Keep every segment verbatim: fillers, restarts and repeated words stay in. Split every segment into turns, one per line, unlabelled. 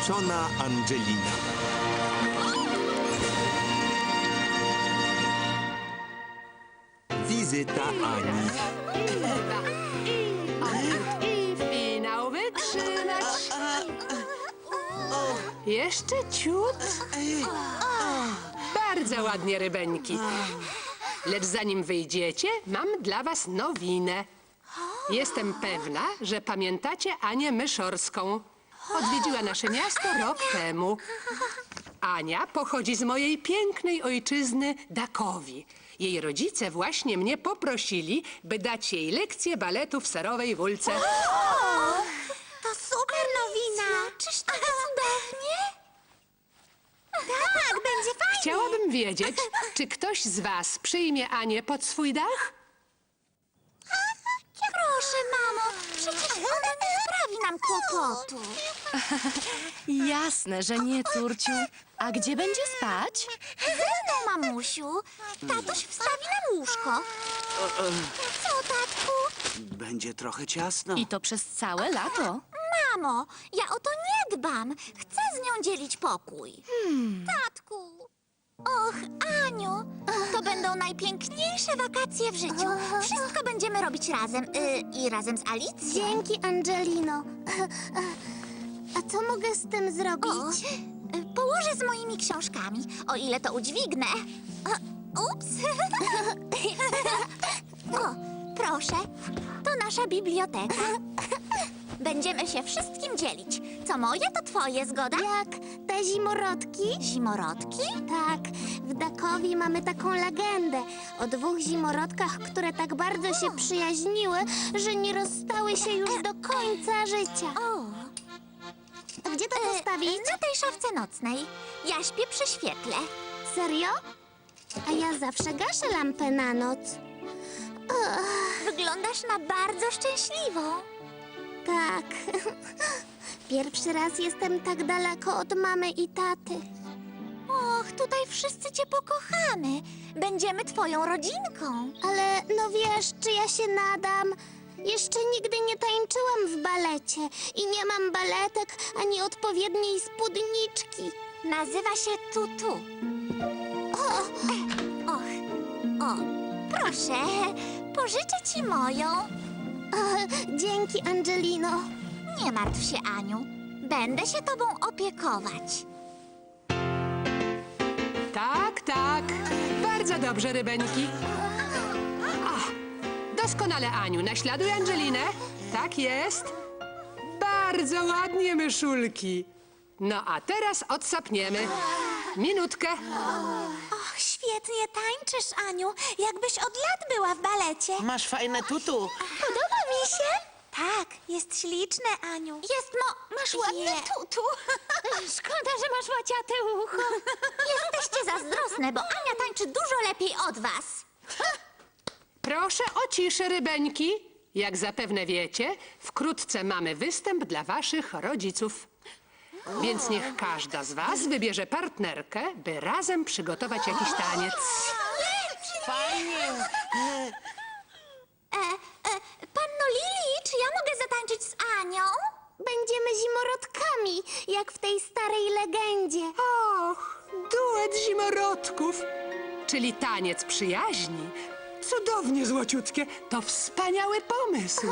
wzruszona Angelina. Wizyta Ani.
I finał wytrzymać. Jeszcze ciut. Bardzo ładnie, rybeńki. Lecz zanim wyjdziecie, mam dla was nowinę. Jestem pewna, że pamiętacie Anię Myszorską. Odwiedziła nasze miasto rok temu. Ania pochodzi z mojej pięknej ojczyzny Dakowi. Jej rodzice właśnie mnie poprosili, by dać jej lekcję baletu w Serowej Wólce.
To super nowina! Czyż to cudownie? Tak, będzie fajnie!
Chciałabym wiedzieć, czy ktoś z was przyjmie Anię pod swój dach?
Proszę, mamo, przecież ona nie sprawi nam kłopotu.
Jasne, że nie, Turciu. A gdzie będzie spać?
Ze mną, mamusiu. Tatuś wstawi nam łóżko. Co, tatku?
Będzie trochę ciasno.
I to przez całe lato.
Mamo, ja o to nie dbam. Chcę z nią dzielić pokój. Tatku. Och, Aniu, to będą najpiękniejsze wakacje w życiu. Wszystko będziemy robić razem. Y, I razem z Alicją.
Dzięki, Angelino. A co mogę z tym zrobić?
O, y, położę z moimi książkami, o ile to udźwignę. O, ups. O, proszę, to nasza biblioteka. Będziemy się wszystkim dzielić. Co moje, to twoje, zgoda?
Jak te zimorodki?
Zimorodki?
Tak, w Dakowi mamy taką legendę o dwóch zimorodkach, które tak bardzo się przyjaźniły, że nie rozstały się już do końca życia.
O,
A gdzie to
e,
postawić?
na tej szafce nocnej. Ja śpię przy świetle.
Serio? A ja zawsze gaszę lampę na noc.
Wyglądasz na bardzo szczęśliwą.
Tak. Pierwszy raz jestem tak daleko od mamy i taty.
Och, tutaj wszyscy cię pokochamy. Będziemy twoją rodzinką.
Ale no wiesz, czy ja się nadam? Jeszcze nigdy nie tańczyłam w balecie i nie mam baletek ani odpowiedniej spódniczki.
Nazywa się Tutu. O, och, o, proszę, pożyczę ci moją.
O, dzięki, Angelino.
Nie martw się, Aniu. Będę się tobą opiekować.
Tak, tak. Bardzo dobrze, rybeńki. O, doskonale, Aniu. Naśladuj Angelinę. Tak jest. Bardzo ładnie, myszulki. No a teraz odsapniemy. Minutkę.
Och, świetnie tańczysz, Aniu. Jakbyś od lat była w balecie.
Masz fajne tutu.
Podoba mi się. Tak, jest śliczne, Aniu. Jest, no, masz ładne
Je.
tutu.
Szkoda, że masz łaciate ucho.
Jesteście zazdrosne, bo Ania tańczy dużo lepiej od was.
Proszę o ciszę, rybeńki. Jak zapewne wiecie, wkrótce mamy występ dla waszych rodziców. Więc niech każda z was wybierze partnerkę, by razem przygotować jakiś taniec.
Fajnie.
E, e, panno Lili, czy ja mogę zatańczyć z Anią?
Będziemy zimorodkami, jak w tej starej legendzie.
Och, duet zimorodków, czyli taniec przyjaźni. Cudownie złociutkie, to wspaniały pomysł.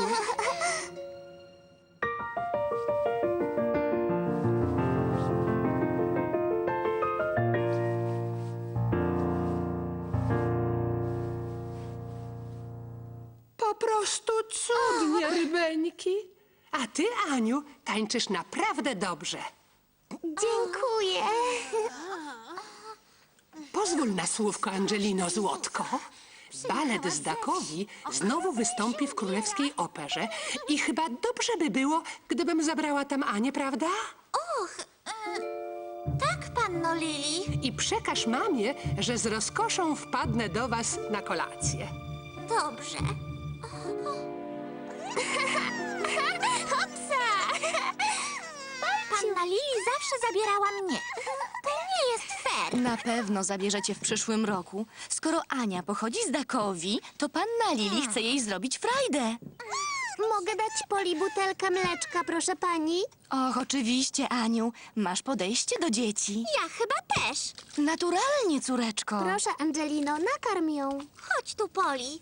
Po prostu cudnie, rybeńki. A ty, Aniu, tańczysz naprawdę dobrze.
Dziękuję.
Pozwól na słówko, Angelino Złotko. Balet z Dakowi znowu wystąpi w Królewskiej Operze i chyba dobrze by było, gdybym zabrała tam Anię, prawda?
Och, e, tak, panno Lili.
I przekaż mamie, że z rozkoszą wpadnę do was na kolację.
Dobrze.
Hopsa!
Panna Lili zawsze zabierała mnie. To nie jest fair.
Na pewno zabierzecie w przyszłym roku. Skoro Ania pochodzi z Dakowi, to panna Lili chce jej zrobić frajdę.
Mogę dać Poli butelkę mleczka, proszę pani?
Och, oczywiście, Aniu. Masz podejście do dzieci.
Ja chyba też.
Naturalnie, córeczko.
Proszę, Angelino, nakarm ją.
Chodź tu, Poli.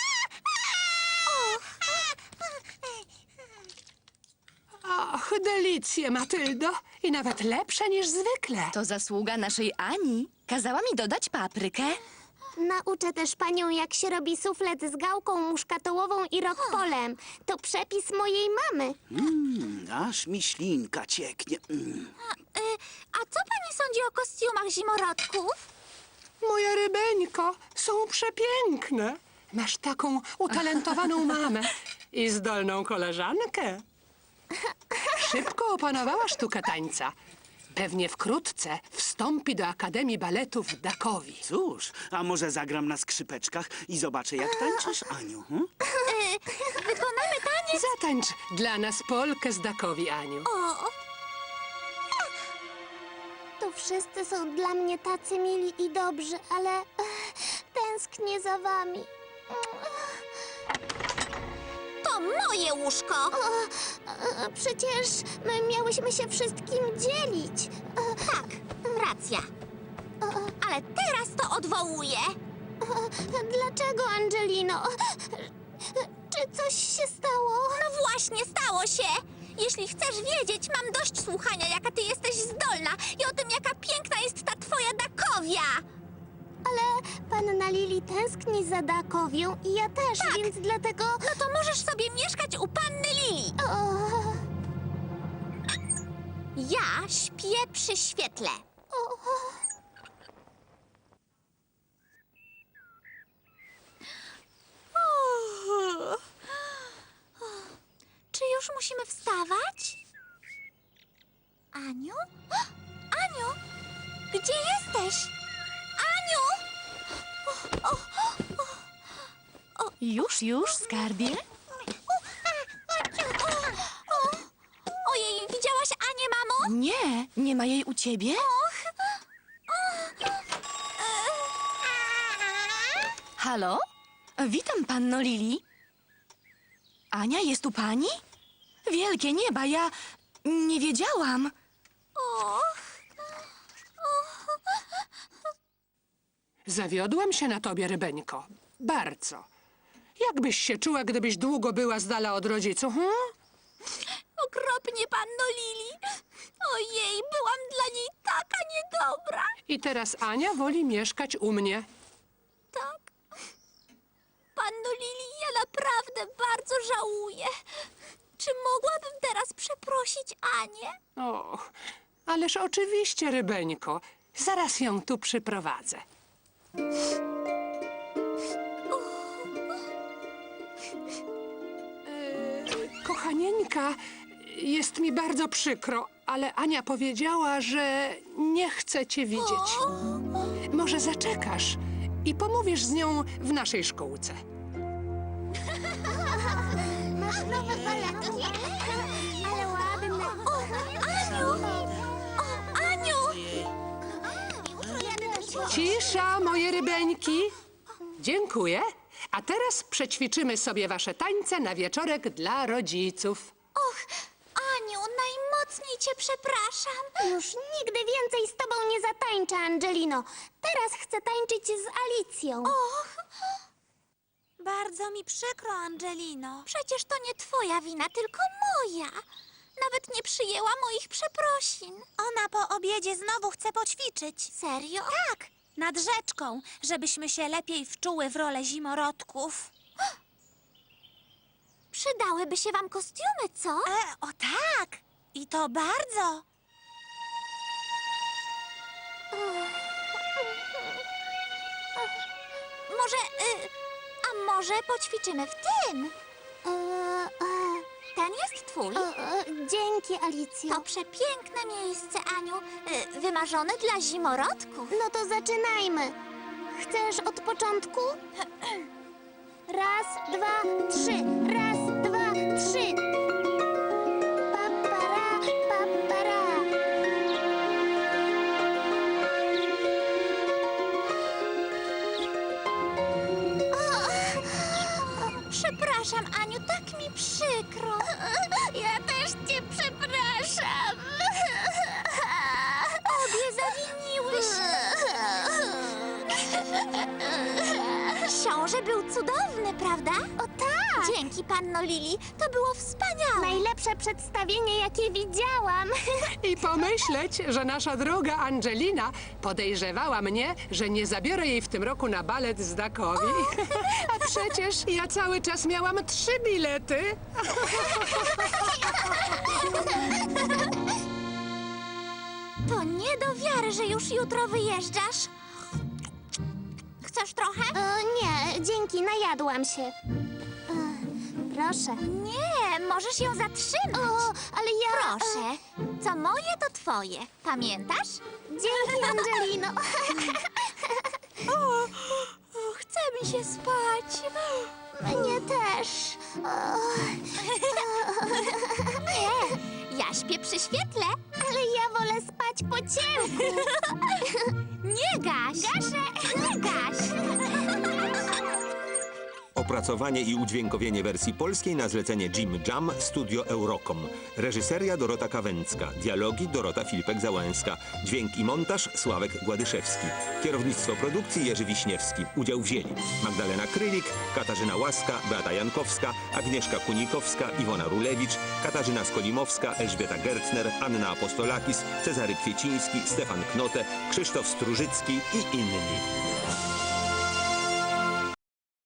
Och, delicje, Matyldo. I nawet lepsze niż zwykle.
To zasługa naszej Ani. Kazała mi dodać paprykę.
Nauczę też panią, jak się robi suflet z gałką muszkatołową i rokpolem. To przepis mojej mamy.
Mm, aż mi ślinka cieknie. Mm.
A, y, a co pani sądzi o kostiumach zimorodków?
Moja rybeńko, są przepiękne. Masz taką utalentowaną mamę i zdolną koleżankę. Szybko opanowała sztukę tańca. Pewnie wkrótce wstąpi do Akademii Baletu w Dakowi.
Cóż, a może zagram na skrzypeczkach i zobaczę, jak tańczysz, Aniu? Hm?
Y, wykonamy taniec.
Zatańcz dla nas polkę z Dakowi, Aniu.
O,
Tu wszyscy są dla mnie tacy mili i dobrzy, ale ech, tęsknię za wami.
to moje łóżko.
E, Przecież my miałyśmy się wszystkim dzielić. E,
Tak, racja. Ale teraz to odwołuję.
e, Dlaczego, Angelino? E, Czy coś się stało?
No właśnie, stało się. Jeśli chcesz wiedzieć, mam dość słuchania, jaka ty jesteś zdolna i o tym, jaka piękna jest ta twoja Dakowia.
Ale panna Lili tęskni za Dakowią i ja też,
Tak.
więc dlatego...
No to możesz sobie mieszkać u panny Lili.
O,
Ja śpię przy świetle.
o,
Czy już musimy wstawać? Aniu? Aniu? Gdzie jesteś? Aniu?
Już, już, skarbie?
Ojej, widziałaś Anię, mamo?
Nie, nie ma jej u ciebie? Halo? Witam, panno Lili. Ania, jest u pani? Wielkie nieba, ja nie wiedziałam.
Och.
Zawiodłam się na tobie, rybeńko. Bardzo. Jakbyś się czuła, gdybyś długo była z dala od rodziców, hm?
Okropnie, panno Lili. Ojej, byłam dla niej taka niedobra.
I teraz Ania woli mieszkać u mnie.
Tak. Panno Lili, ja naprawdę bardzo żałuję. Czy mogłabym teraz przeprosić Anię?
Och, ależ oczywiście, rybeńko. Zaraz ją tu przyprowadzę. E, kochanieńka, jest mi bardzo przykro, ale Ania powiedziała, że nie chce cię widzieć. Może zaczekasz i pomówisz z nią w naszej szkółce.
masz nowe paletki? Ale ładne.
Aniu! O, Aniu!
Jadę do ciebie.
Cisza, moje rybeńki. Dziękuję. A teraz przećwiczymy sobie wasze tańce na wieczorek dla rodziców.
Och, Aniu, najmocniej cię przepraszam.
Już nigdy więcej z tobą nie zatańczę, Angelino. Teraz chcę tańczyć z Alicją.
Och. Bardzo mi przykro, Angelino. Przecież to nie twoja wina, tylko moja. Nawet nie przyjęła moich przeprosin. Ona po obiedzie znowu chce poćwiczyć. Serio? Tak, nad rzeczką, żebyśmy się lepiej wczuły w rolę zimorodków. Przydałyby się wam kostiumy, co? E, o tak! I to bardzo. Może, y, a może poćwiczymy w tym?
E, e,
Ten jest twój.
e, e, dzięki, Alicjo.
To przepiękne miejsce, Aniu. Y, wymarzone dla zimorodków.
No to zaczynajmy. Chcesz od początku? Raz, dwa, trzy. Raz, dwa, trzy. Papara, papara.
Przepraszam, Przepraszam, Aniu, tak mi przykro.
Ja też cię przepraszam.
Obie zawiniłyśmy. Książę był cudowny, prawda?
O tak!
Dzięki, panno Lili. To było wspaniałe.
Najlepsze przedstawienie, jakie widziałam.
I pomyśleć, że nasza droga Angelina podejrzewała mnie, że nie zabiorę jej w tym roku na balet z Dakowi. A przecież ja cały czas miałam trzy bilety.
To nie do wiary, że już jutro wyjeżdżasz. Chcesz trochę?
O nie, dzięki, najadłam się. Ech, Proszę.
Nie, możesz ją zatrzymać.
O, ale ja...
Proszę. Co moje, to twoje. Pamiętasz?
Dzięki, Angelino.
O, chce mi się spać.
Mnie też. O,
Nie, ja śpię przy świetle.
ale ja wolę spać po ciemku.
Nie gaś.
Gaszę.
Nie gaś.
Opracowanie i udźwiękowienie wersji polskiej na zlecenie Jim Jam Studio Eurocom. Reżyseria Dorota Kawęcka. Dialogi Dorota Filipek-Załęska. Dźwięk i montaż Sławek Gładyszewski. Kierownictwo produkcji Jerzy Wiśniewski. Udział wzięli Magdalena Krylik, Katarzyna Łaska, Beata Jankowska, Agnieszka Kunikowska, Iwona Rulewicz, Katarzyna Skolimowska, Elżbieta Gertner, Anna Apostolakis, Cezary Kwieciński, Stefan Knote, Krzysztof Strużycki i inni.